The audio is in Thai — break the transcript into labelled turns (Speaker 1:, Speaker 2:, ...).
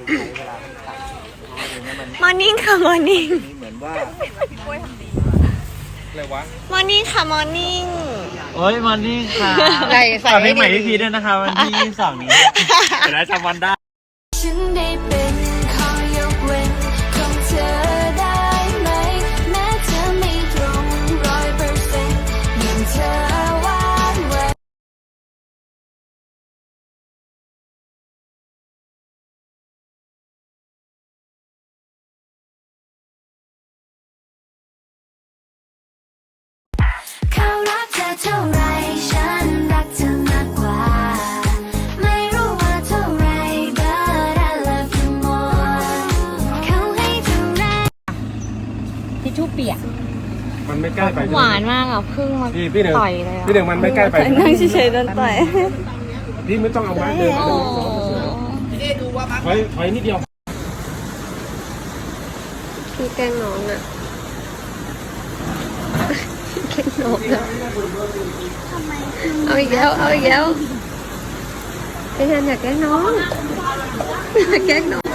Speaker 1: ใช้เวลาตัดอย่างเงี้ยมัน
Speaker 2: มอร์นิ่งค่ะมอร์นิ่ง
Speaker 1: เหมือนว่าอะไรวะ
Speaker 2: มอร์นิ่งค่ะมอร์นิ่ง
Speaker 3: โอ้ยมันนี่ค่ะ
Speaker 2: ใส่ใส่
Speaker 3: ฝากเพลงใหม่พี่พีด้วยนะคะวันที่22 นี้เดี๋ยวได้จำวันได้
Speaker 4: ฉันได้เป็นข้อยกเว้นของเธอได้ไหมแม้เธอไม่ตรง100%อย่างเธอวาดไว้เขารักเธอเท่าไรฉันรักเธอมากกว่าไม่รู้ว่าเท่าไร but I love you more เขาให้เท่าไร
Speaker 2: ทิชชู่เปียก
Speaker 5: มันไม่ใกล้ไป
Speaker 2: หวานมากอ่ะพึ่งมา
Speaker 5: พี่หนึ่ง
Speaker 2: ต่อยเลยอ่ะ
Speaker 5: พี่หนึ่งมันไม่ใกล้ไป
Speaker 2: นั่งเฉยๆโดนต่อย
Speaker 5: พี่ไม่ต้องเอาไม้เดิน
Speaker 2: โอ้
Speaker 5: ถอยนิดเดียว
Speaker 2: พี่แกล้งน้องอ่ะแกล้งน้องอ่ะเอาอีกแล้วเอาอีกแล้วพี่แทนอยากแกล้งน้องอยากแกล้งน้อง